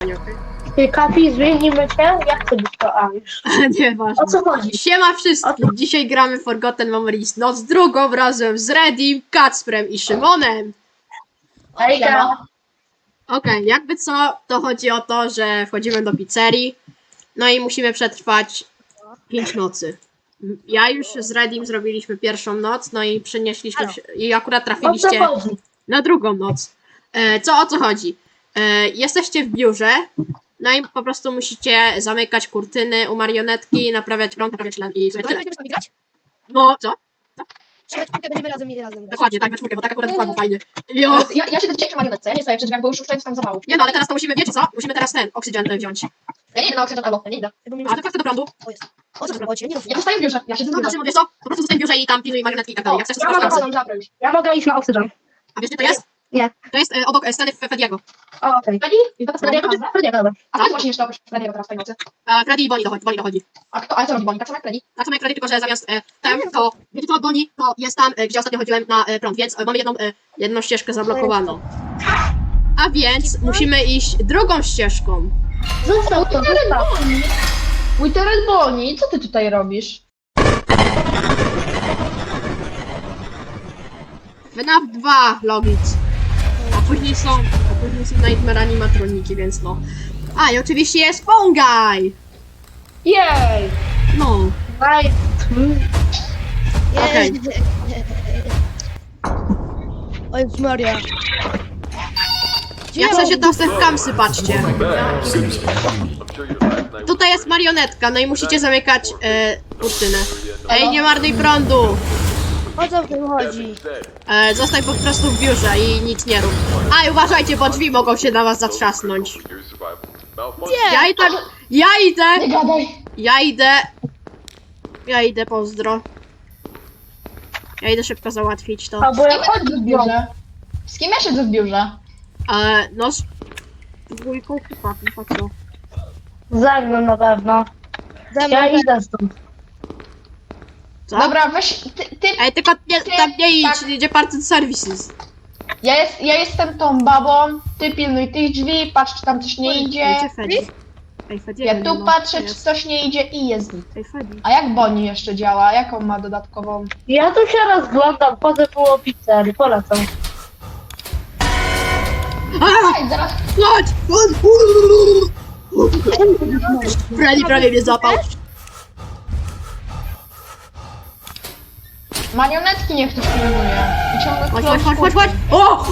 Ty, Kapi, zmienimy cię? Jak chcę być to Alisz? Nieważne. O co chodzi? Siema wszystkim! Dzisiaj gramy Forgotten Memories noc drugą razem z Redim, Kacprem i Szymonem. Ejka! Okej, jakby co, to chodzi o to, że wchodzimy do pizzerii, no i musimy przetrwać 5 nocy. Ja już z Redim zrobiliśmy pierwszą noc, no i przenieśliśmy się, i akurat O co trafiliście chodzi? na drugą noc. O co chodzi? Jesteście w biurze, no i po prostu musicie zamykać kurtyny u marionetki, naprawiać prąd, naprawiać len i sobie tyle. Będziemy z nami grać? No, co? Będziemy razem grać. Dokładnie, tak, we czwórkę, bo tak akurat wypadło fajnie. Jo. Ja siedzę dzisiaj przy marionetce, ja nie stoję przy drzwiach, bo już często tam zawału. Nie no, ale teraz to musimy, wiecie co? Musimy teraz ten oksygen wziąć. Ja nie idę na oksygen albo, ja nie idę. A ty do prądu? O jest. O co robocie? Nie No ja zostaję w biurze, ja siedzę w to biurze. Szymon, wiesz co? Po prostu zostań w biurze i tam pilnuj marionetki i tak dalej. Jak chcesz, to Ja masz mam kasy. paną żabrę już. Ja mogę iść na oksygen. A wiesz, gdzie to jest? Nie. To jest obok sceny Fediego. O, okej. Freddy? I to Frediego, dobra. A ty właśnie jeszcze oprócz Freddy'ego teraz w tej nocy. Freddy i Bonnie dochodzi. A co robi Bonnie? Tak samo jak Freddy? Tak samo jak Freddy, tylko że zamiast to, wiecie co, Bonnie, to jest tam, gdzie ostatnio chodziłem na prąd, więc mamy jedną ścieżkę zablokowaną. A więc musimy iść drugą ścieżką. Zostaw to, zostaw. Witterel Bonnie, co ty tutaj robisz? FNAF 2 Logic. A później są Nightmare animatroniki, więc no. A i oczywiście jest Phone Guy! Jej! No. Daj. Okej. O Jezus Maria. Jak chcecie to w kamsy, patrzcie. Tutaj jest marionetka, no i musicie zamykać kurtynę. Ej, nie marnuj prądu! O co w tym chodzi? Zostań po prostu w biurze i nic nie rób. A i uważajcie, bo drzwi mogą się na was zatrzasnąć. Nie! Ja idę, pozdro. Ja idę szybko załatwić to. A bo ja chodzę w biurze? Z kim ja siedzę w biurze? No, z dwójką chyba co? Ze mną na pewno. Ja idę stąd. Co? Dobra, weź, ty Ej, tylko tam nie idź, tak. idzie Party Services. ja jestem tą babą, ty pilnuj tych drzwi, patrz czy tam coś nie idzie. Gdzie Freddy? Ej, Freddy, Ja nie tu ma. patrzę, czy Jest. coś nie idzie i jest git. Ej, Freddy. A jak Bonnie jeszcze działa? Jaką ma dodatkową? Ja tu się rozglądam, chodzę po pizzerii, polecam. Ej, zaraz Chodź! Freddy prawie mnie zapał. marionetki niech ktoś pilnuje. I ciągle Chodź! O!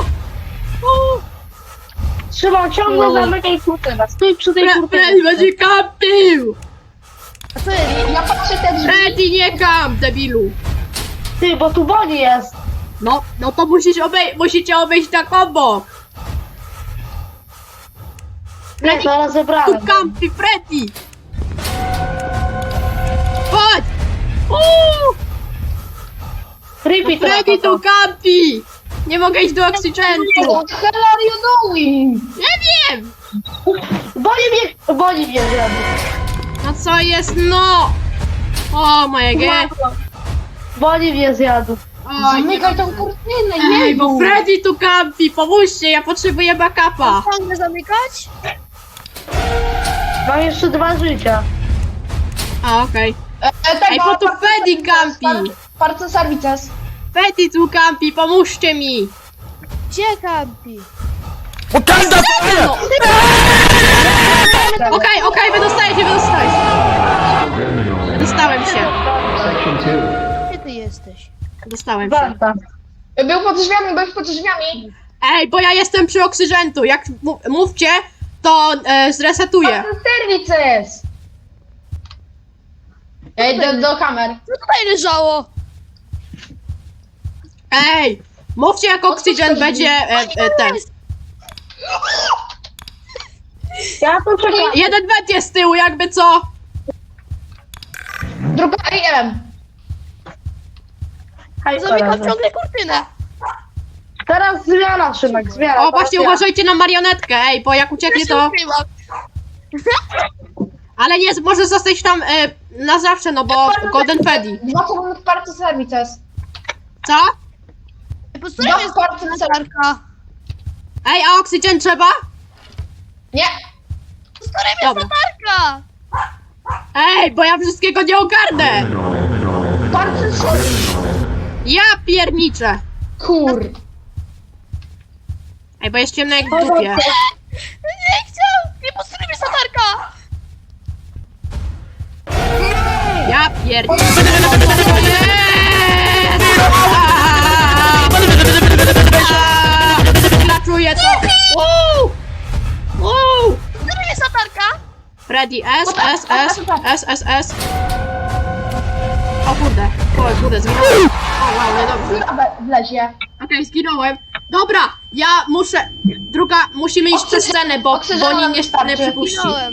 Trzymam ciągle zamykaj kurtynę. Stój przy tej Freddy kurtynie. będzie kampił! A co jest? Ja patrzę te drzwi. Freddy, nie kamp, debilu! Ty, bo tu Bonnie jest. No to musicie obejść tak obok! Nie, zaraz Tu zebrałem. kampi, Freddy! Chodź! Uuu! Creepy to Freddy tu kampi! Nie mogę iść do oksygentu! What the hell are you doing? Nie wiem! Bonnie mnie zjadł. No co jest, no! O mojego! Bonnie mnie zjadł. Zamykaj tą kurtynę, Ej, bo jeju. Freddy tu kampi! Pomóżcie, ja potrzebuję backupa! Ciągle zamykać? Mam jeszcze 2 życia. A, okej. Tego, Ej, bo tu Freddy kampi! Parco Services. Freddy tu kampi, pomóżcie mi! Gdzie kampi? No. Okej, wydostałem się! Wydostałem się. Gdzie ty jesteś? Dostałem się. Warta. Był pod drzwiami. Ej, bo ja jestem przy oksygentu. Jak mówcie, to zresetuję. Parco Services. Ja idę do kamer. Co tutaj leżało? Ej, mówcie jak oksygen będzie ten. Ja tu czekam. Jeden węd jest z tyłu, jakby co. Druga AM. Hej, Zamykam koledzy. ciągle kurtynę. Teraz zmiana, Szymek, zmiana. O, właśnie Teraz ja. uważajcie na marionetkę, ej, bo jak ucieknie Ja się to... ukryłam. Ale nie, może zostać tam na zawsze, no bo Golden Freddy. 2 sekundy Parco Services. Co? Po stronie jest Parco Services. latarka. Ej, a oksygen trzeba? Nie! Dobra. Latarka! Ej, bo ja wszystkiego nie ogarnę! Bardzo Ja pierniczę! Kur... Ej, bo jest ciemno jak w dupie. Nie chciał! Nie posłuchaj mnie latarka! Ja pierniczę! Klaczuję to! Wow! Wow! Posłuchaj mnie latarka! Freddy, S. O kurde, zginąłem. O wow, niedobrze. Wlezie. Okej, zginąłem. Dobra, ja muszę... musimy iść przez scenę, bo oni nie przypuści. Zginąłem.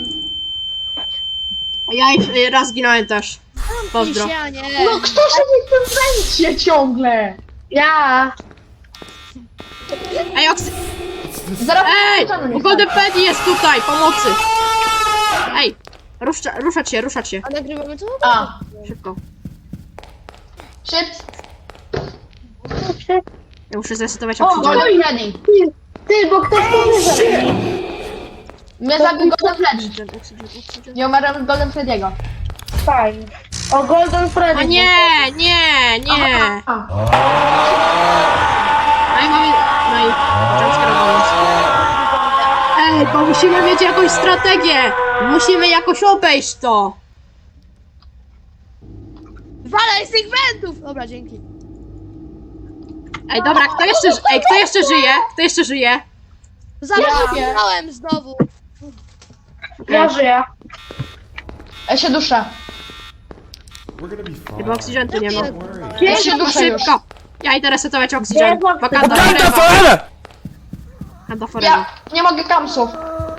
Ja raz zginąłem też. Pozdro. Ja nie. No kto siedzi w tym węcie ciągle? Ja. Ej, Zaraz Ej! Bo Golden Freddy jest tutaj, pomocy! Ej! Ruszać się. A nagrywamy to? A, Szybko. szybko. Ja muszę zresetować O, oxygen. Golden Freddy. Ty, bo ktoś to zabił. Mnie zabił Golden Freddy. Oxygen. Nie umarłem Golden Freddy'ego. Fajnie. O Golden Freddy. O nie! A, No i mamy... No i... jumpscare'ował nas. Ej, bo musimy mieć jakąś strategię! Musimy jakoś obejść to! Walaj z tych wentów! Dobra, dzięki. Ej, dobra, kto jeszcze żyje? Kto jeszcze żyje? Zabrałem znowu. Ja żyję. ja się duszę. Chyba oxygen tu nie ma. Ja się duszę już. Szybko! Ja idę resetować oxygen. Gdzie jest Wakanda oxygen? forever! Wakanda forever. Ja nie mogę kamsów.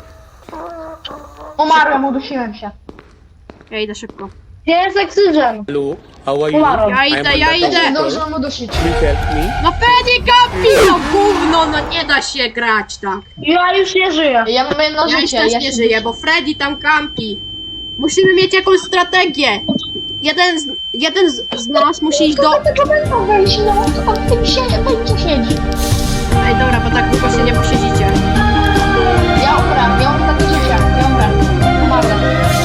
Umarłem, udusiłem się. Ja idę szybko. Gdzie jest oksygen? Hello, how are you? Umarłem. Ja idę. Nie zdążyłem udusić. Can you help me? No Freddy Gampi, no gówno, no nie da się grać tak. Ja już nie żyję. Ja mam jedno Ja już życie. też ja nie się żyję, bo Freddy tam kampi. Musimy mieć jakąś strategię. Jeden z nas musi iść do... Tylko będą wejść, no on w tym siedzi. Ej, dobra, bo tak długo się nie posiedzicie. Ja umrę, ja mam takie życie. Ja umrę. Umarłem.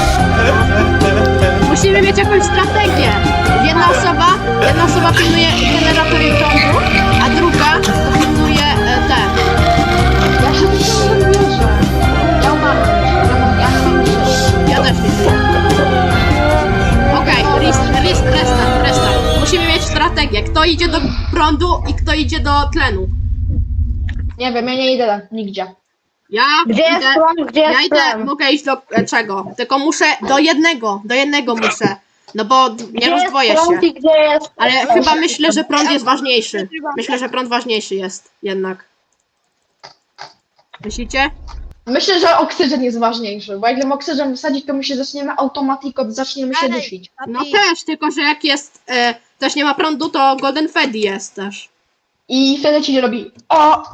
Musimy mieć jakąś strategię. Jedna osoba pilnuje generatory prądu, a druga to pilnuje te. Ja się nie wierzę. Ja umarłem. Ja nie mam życia. Ja też nie żyję. Okej, restart. Musimy mieć strategię. Kto idzie do prądu i kto idzie do tlenu. Nie wiem, ja nie idę nigdzie. Ja Gdzie jest idę... plan? Gdzie Ja jest idę, plan? mogę iść do czego? Tylko muszę do jednego muszę. No bo nie Gdzie jest rozdwoję prąd się. i gdzie jest... Ale chyba myślę, że prąd jest ważniejszy. Myślę, że prąd ważniejszy jest jednak. Myślicie? Myślę, że oksygen jest ważniejszy, bo jak gdybym oksygen wysadzić, to my się zaczniemy automatiko, zaczniemy się dusić. No też, tylko że jak jest też nie ma prądu, to Golden Freddy jest też. I wtedy ci robi o.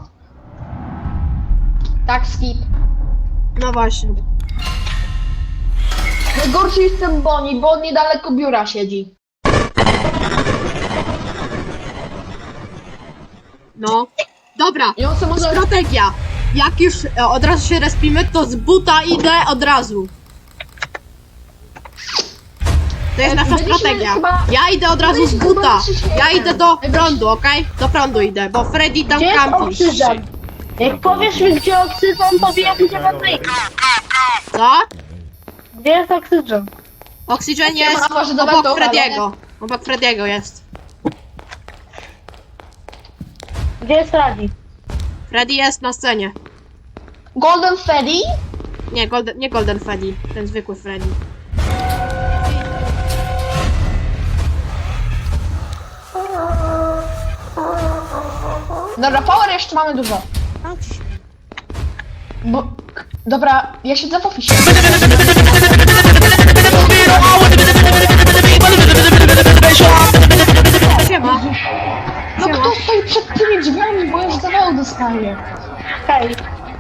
Tak, skip. No właśnie. Najgorszy jest ten Bonnie, bo on niedaleko biura siedzi. No. Dobra. I on sobie może... Strategia. Jak już od razu się respimy, to z buta idę od razu. To jest nasza Byliśmy strategia. chyba- Ja idę od razu z byliśmy buta. chyba przy świecie. Ja idę do prądu, okej? Do prądu idę, bo Freddy tam Gdzie jest kampi. oksygen? Jak powiesz mi, gdzie oksygen, to wiem, gdzie mam wyjść. Co? Gdzie jest oksygen? Oxygen Ja jest może do obok Wentowa, Frediego. Obok Frediego jest. Gdzie jest Freddy? Freddy jest na scenie. Golden Freddy? Nie Golden Freddy, ten zwykły Freddy. Dobra, power jeszcze mamy dużo. Bo... Dobra, ja siedzę w oficie. Siema. No kto stoi przed tymi drzwiami, bo już zawału dostaję. Hej.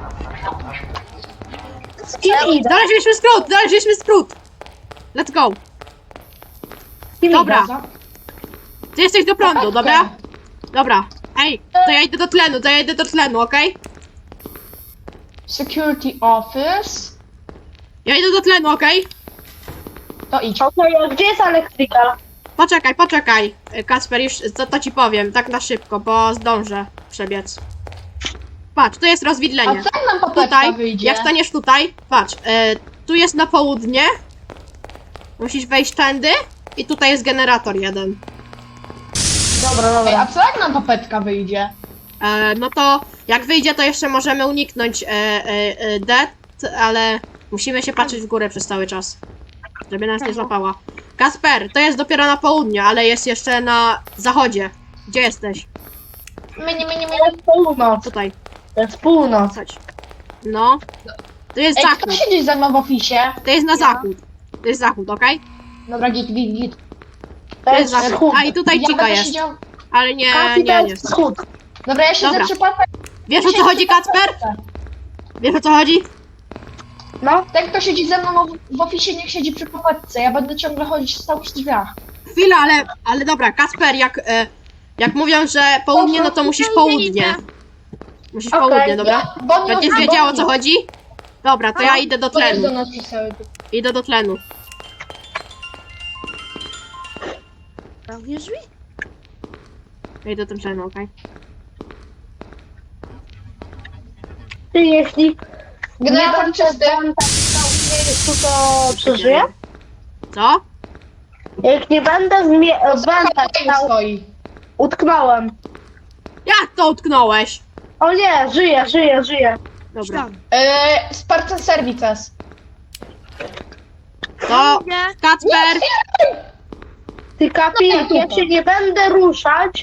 Z kim idę? Znaleźliśmy skrót! Let's go! Z kim Dobra. idę? Ty jesteś do prądu, dobra? Dobra. Ej, to ja idę do tlenu, okej? Security office. Ja idę do tlenu, okej? To idź. Okej, a gdzie jest elektrykal? Poczekaj. Kacper, już to ci powiem, tak na szybko, bo zdążę przebiec. Patrz, tu jest A rozwidlenie. co jak nam papeczka Tutaj, wyjdzie? jak staniesz tutaj, patrz, tu jest na południe. Musisz wejść tędy i tutaj jest generator jeden. Dobra, Ej, dobra. a co jak nam papeczka wyjdzie? No to jak wyjdzie, to jeszcze możemy uniknąć death, ale musimy się patrzeć w górę przez cały czas, żeby nas nie złapała. Kasper, to jest dopiero na południu, ale jest jeszcze na zachodzie. Gdzie jesteś? To jest północ. Tutaj, To jest północ. chodź. No. To jest Ej, kto zachód. siedzi ze mną w ofisie? To jest na zachód. To jest zachód, okej? Dobra, git. To To jest jest zachód. wschód. A i tutaj Ja Cika będę jest. siedział... Ale nie, Kasi, to nie. jest wschód. Dobra, ja siedzę Dobra. przy papeczce. Wiesz o co chodzi, Kacper? Wiesz o co chodzi? No, Ten, kto siedzi ze mną w ofisie, niech siedzi przy papeczce. Ja będę ciągle chodzić stał przy drzwiach. Chwila, ale dobra, Kacper, jak mówią, że południe, no to musisz południe. Musisz Okej. południe, dobra? Bo nie Będziesz wiedział o co chodzi? Dobra, to ja idę do To jest do tlenu. nas pisały. Idę do tlenu. Zamkniesz drzwi? Ja idę do tlenu, okej? ty jeśli Generator będę czysty. tam stał w miejscu, to przeżyję? Co? Jak nie będę w wentach Tam stał, stoi. utknąłem. Jak to utknąłeś? O nie, żyję. Dobra. Tam. Spartan Services. To Nie. Kacper, Ty Kapi, jak ja się nie będę ruszać,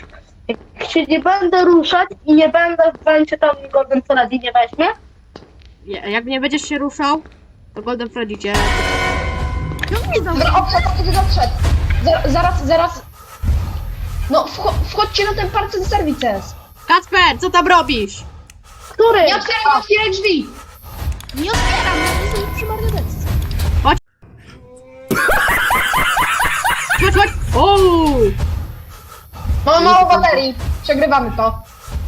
i nie będę w wencie tam Golden Freddy nie weźmie, jak nie będziesz się ruszał, to Golden Freddy cię... Dobra, odszedł. Zaraz. No, wchodźcie na ten Spartan Services. Kacper, co tam robisz? który? Nie otwieraj drzwi. Nie otwieram, ja jestem przy marionetce. Chodź, chodź! Ooo! Mamy mało baterii. Przegrywamy to.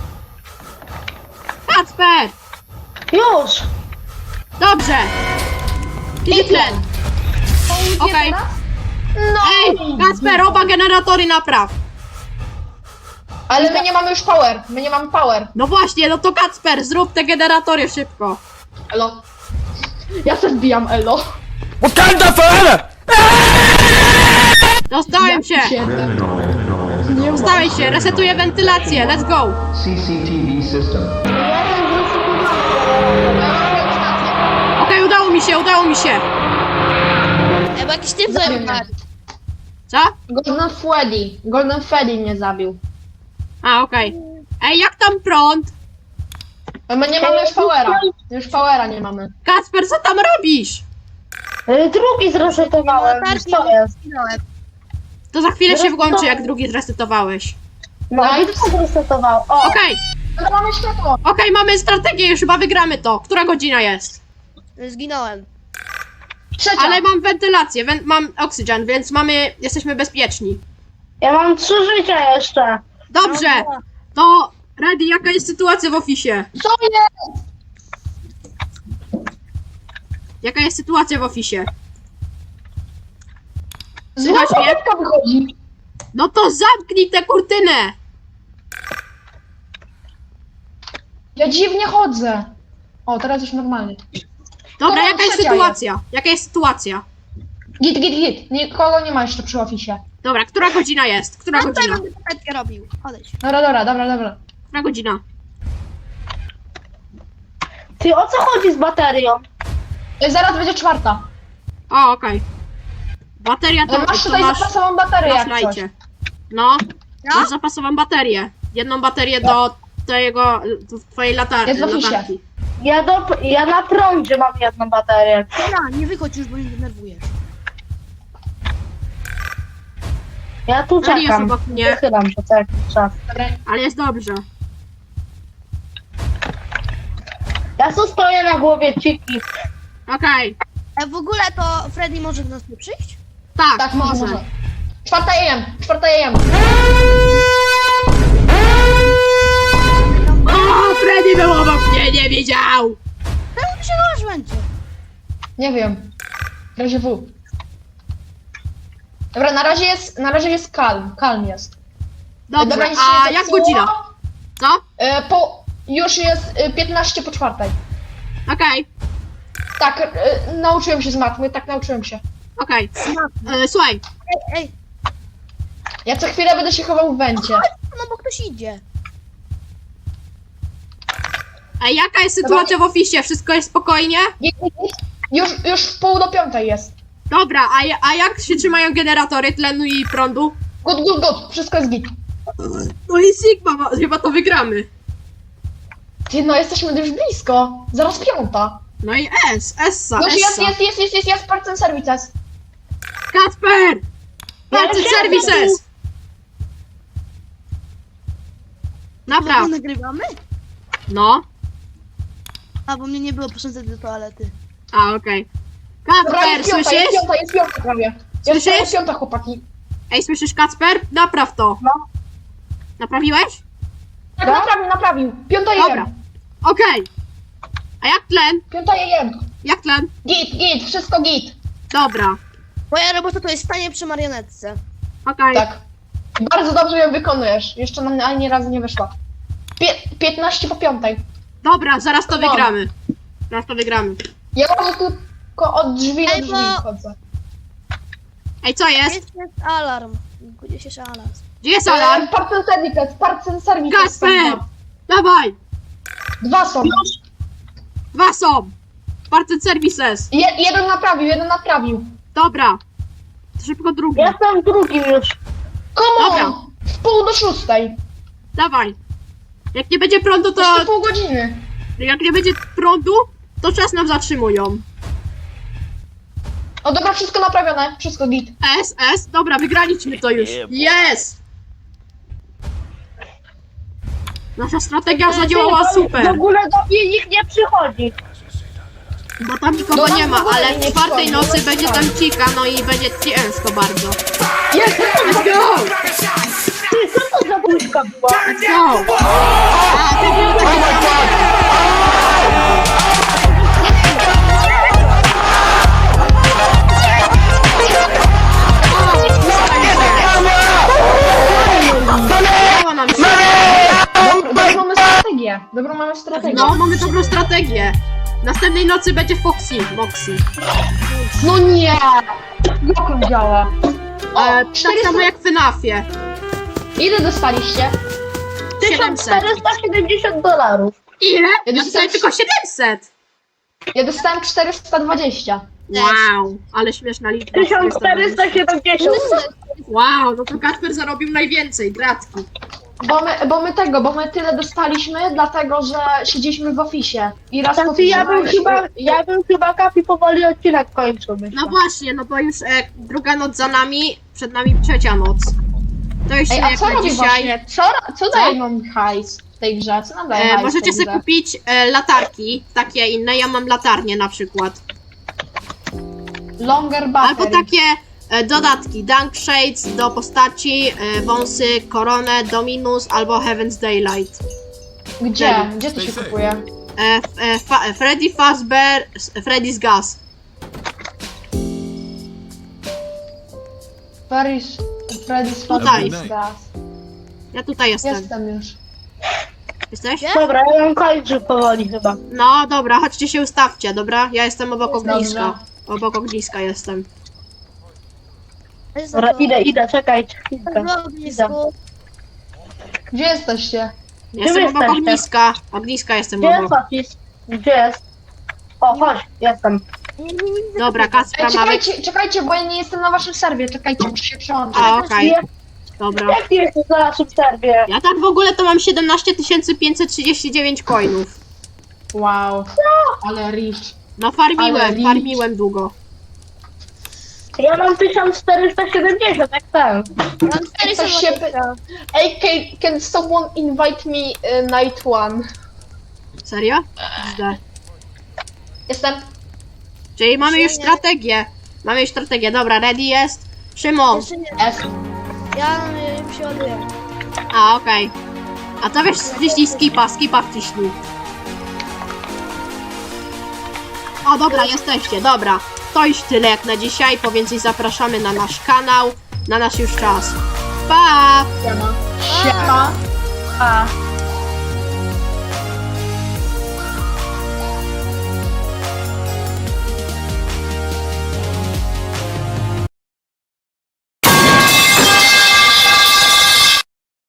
Kacper! Już! Dobrze! Idzie tlen. Okej. No. Ej, Kacper, oba generatory napraw. Ale my nie mamy już power. No właśnie, no to Kacper, zrób te generatory szybko. Elo. Ja se wbijam elo. Wakanda forever! Dostałem się! Dostałeś się, resetuję wentylację, let's go! CCTV system. Okej, udało mi się! Ej, bo jakiś typ zabił nas. Co? Golden Freddy mnie zabił. A, okej. Ej, jak tam prąd? My nie mamy już powera. Już powera nie mamy. Kacper, co tam robisz? Drugi zresetowałem, wiesz co jest? Zginąłem. To za chwilę się włączy, jak drugi zresetowałeś. No, Nice. i to zresetował. O, Okej, Ale mamy światło. mamy strategię, już chyba wygramy to. Która godzina jest? Zginąłem. Trzecia. Ale mam wentylację, mam oksygen, więc jesteśmy bezpieczni. ja mam 3 życia jeszcze. Dobrze, to Ready, jaka jest sytuacja w ofisie? Co jest? Jaka jest sytuacja w ofisie? Zła Słychać mnie? papeczka wychodzi. No to zamknij tę kurtynę! Ja dziwnie chodzę. O, teraz już normalnie. Dobra, Dobra, jaka jest trzecia sytuacja? Jaka jest sytuacja? Git. Nikogo nie ma jeszcze przy ofisie. Dobra, która godzina jest? Która Tutaj godzina? będę papetkę robił. Odejdź. Dobra. Która godzina? Ty, o co chodzi z baterią? Zaraz będzie 4. O, okej. Bateria to, Masz to tutaj masz zapasową baterię na jak coś. slajdzie. No, Ja? masz zapasową baterię. Jedną baterię do twojej Jest w ofisie. latarki. Ja na prądzie mam jedną baterię. Dobra, nie wychodź już, bo mnie denerwujesz. Ja tu Eli jest czekam. obok mnie. Wychylam się co jakiś czas. Dobra. Ale jest dobrze. Ja tu stoję na głowie Ciki. Okej. W ogóle to Freddy może do nas nie przyjść? Tak, może. 4 AM. O, Freddy był obok mnie, nie widział! ty się chowasz, Węcie? Nie wiem. W razie W. Dobra, na razie jest kalm jest. Dobrze, Dobra, nic się a nie jak zepsuło. godzina? Co? Już jest 15 po 4. Okej, Tak, nauczyłem się z matmy, tak nauczyłem się. okej. Słuchaj, Ej, Ja co chwilę będę się chował w węcie. no bo ktoś idzie. a jaka jest sytuacja w oficie? Wszystko jest spokojnie? Już w pół do 5 jest. Dobra, a jak się trzymają generatory tlenu i prądu? Good, wszystko jest git. No i Sigma, chyba to wygramy. Ty, no jesteśmy już blisko. Zaraz 5. No i Essa. Już jest, parts and services. Kacper! Party Ja services! Napraw. My nagrywamy? No. A, bo mnie nie było, poszedłem do toalety. A, okej. Dobra, Kacper, jest 5, słyszysz? jest 5 prawie. Słyszysz? Jest 5, chłopaki. Ej, słyszysz, Kacper? Napraw to. No. Naprawiłeś? Tak, naprawił. 5 Dobra. jem. Okej. A jak tlen? 5 jem. Jak tlen? Git, wszystko git. Dobra. Moja robota to jest stanie przy marionetce. Okej. Tak. Bardzo dobrze ją wykonujesz. Jeszcze nam ani razu nie wyszła. 15 po 5. Dobra, zaraz to No. wygramy. Zaraz to wygramy. Ja może tylko od drzwi do Ej, drzwi bo- chodzę. Ej, co jest? Jest alarm. Gdzie się alarm? Gdzie jest alarm? Parts and services. Kacper! Dawaj! 2 są. 2 są! Party services. Jeden naprawił. Dobra. To szybko drugi. Jestem drugim już. Come Dobra. on! W pół do 6. Dawaj. Jak nie będzie prądu, to... Jeszcze pół godziny. Jak nie będzie prądu, to czas nam zatrzymują. O dobra, wszystko naprawione. Wszystko git. S. Dobra, wygraliśmy to już. Jest! Nasza strategia zadziałała W super. ogóle do mnie nikt nie przychodzi. Bo tam nikogo No, nie ma, w ogóle ale nie w czwartej przychodzi, nocy no, będzie tak. tam cika, no i będzie ciężko bardzo. Jest! Let's go! Ty, co to za buźka była? Let's go! A, to było takie... Udało nam się. Dobrą mamy strategię. No, mamy dobrą strategię. Następnej nocy będzie Moxie. No nie! Jak on działa? Tak 400 samo jak w FNAF-ie. Ile dostaliście? 700. $1470. Ile? Ja Ja dostałem tylko 700. Ja dostałem 420. Wow, ale śmieszna liczba. 1470. Wow, no to Kacper zarobił najwięcej, gratki. Bo my tyle dostaliśmy, dlatego że siedzieliśmy w oficie. I raz Znaczy, ja bym chyba Kapi powoli odcinek kończył. myślę. No właśnie, no bo już druga noc za nami, przed nami trzecia noc. To już Ej, się a jak co na robi dzisiaj. właśnie? Co daje nam hajs w tej grze? Co nam daje hajs Możecie w tej sobie grze? kupić latarki, takie inne, ja mam latarnię na przykład. Longer battery. Albo takie dodatki, Dunk Shades do postaci, wąsy, koronę, Dominus albo Heaven's Daylight. Gdzie? Gdzie to się kupuje? Freddy Fazbear, Freddy's Gas. Freddy's Tutaj. Fazbear's Gas. Ja tutaj jestem. Jestem już. Jesteś? Dobra, ja mam kończył powoli chyba. No dobra, chodźcie się ustawcie, dobra? Ja jestem obok Dobrze. ogniska. Obok ogniska jestem. Dobra, idę, czekajcie chwilkę. W ognisku. Gdzie jesteście? Jestem obok jesteście? ogniska. Ogniska jestem Gdzie jest obok. Office? Gdzie jest? O, chodź, jestem. Nie widzę Dobra, tego. Kacpra mamy. Czekajcie, bo ja nie jestem na waszym serwie. Czekajcie, muszę się przełączyć. A, okej. Dobra. Jak ty jesteś na naszym serwie? Ja tak w ogóle to mam 17 539 coinów. Wow. Ale rich. No Ale licz. farmiłem długo. Ja mam 1470, jak ten. Mam Ej, ktoś się 420. Ej, can someone invite me night one? Serio? Źle. Jestem. Czyli mamy już Nie. strategię. Mamy już strategię. Dobra, ready jest. Szymon. Jeszcze nie. S. Ja już się ładuję. A, okej. A to wiesz, wciśnij skipa wciśnij. O, dobra, jesteście, dobra. To już tyle jak na dzisiaj, po więcej zapraszamy na nasz kanał, na nasz już czas. Pa! Siema. A.